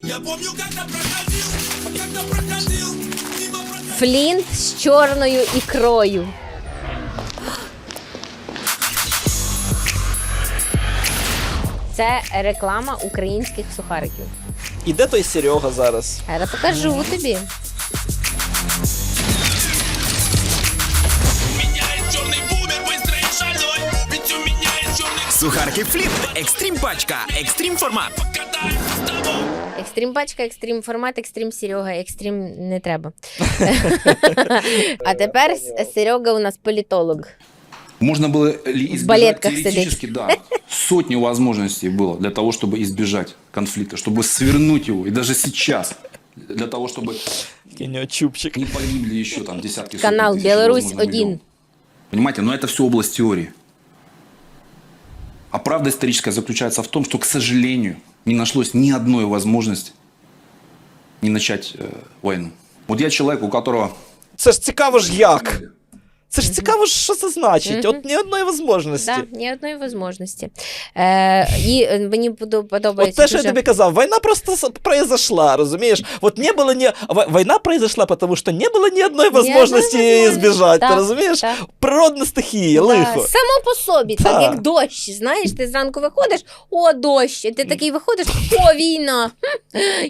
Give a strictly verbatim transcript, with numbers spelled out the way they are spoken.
Флінт з чорною ікрою. Це реклама українських сухариків. І де той Серега зараз? Я покажу тобі. Сухарки Флінт. Екстрім пачка. Екстрім формат. Екстрім пачка, екстрім формат, екстрім Серега, екстрім не треба. А тепер Серега у нас політолог. Можно было ли избежать балетках теоретически, да, сотни возможностей было для того, чтобы избежать конфликта, чтобы свернуть его, и даже сейчас, для того, чтобы Чупчик. не погибли еще там десятки, сотни Канал тысяч, Беларусь возможно, один. миллионов. Понимаете, но это все область теории. А правда историческая заключается в том, что, к сожалению, не нашлось ни одной возможности не начать э, войну. Вот я человек, у которого... Це ж цікаво ж як. Це ж цікаво, що це значить. От ні одної можливості. Так, ні одної можливості. Е, і е, мені подо- От подобається те, що я дуже... тобі казав, війна просто с- произошла, розумієш? Вот не было ни... в- Війна произошла, потому что не было ни одной возможности одної її возможності. збіжати, Так, ти розумієш? так. Природна стихія, Да, лихо. само по собі, так, Так. як дощ, знаєш, ти зранку виходиш, о, дощ, і ти такий виходиш, о, війна.